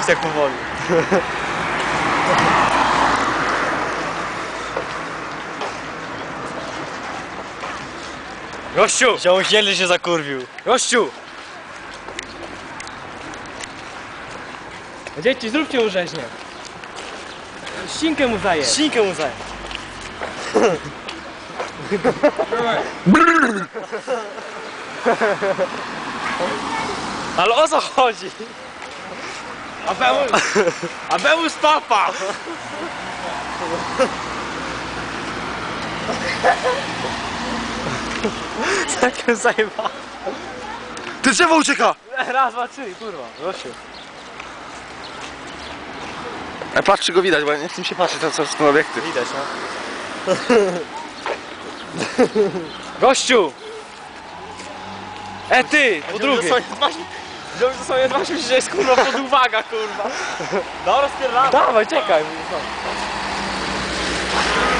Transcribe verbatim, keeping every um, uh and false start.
Napis jak powoli. Gościu! Ziomuś nieźle się zakurwił. Gościu! Dzieci, zróbcie mu rzeźnię. Ścinkę mu zaję. Ścinkę mu zaję. Ale o co chodzi? Abemus! Abemus papa! Taką zajeba. Ty drzewo ucieka! Raz, dwa, trzy, kurwa. Gościu. Ale patrz, czy go widać, bo ja nie chcę mi się patrzeć na co są obiekty. Widać, no. Gościu! E ty, po drugie. Wziąłem ze sobie dwa, myślę, że jest kurwa pod uwaga, kurwa. Dobra, spierdalamy. Dawaj, czekaj.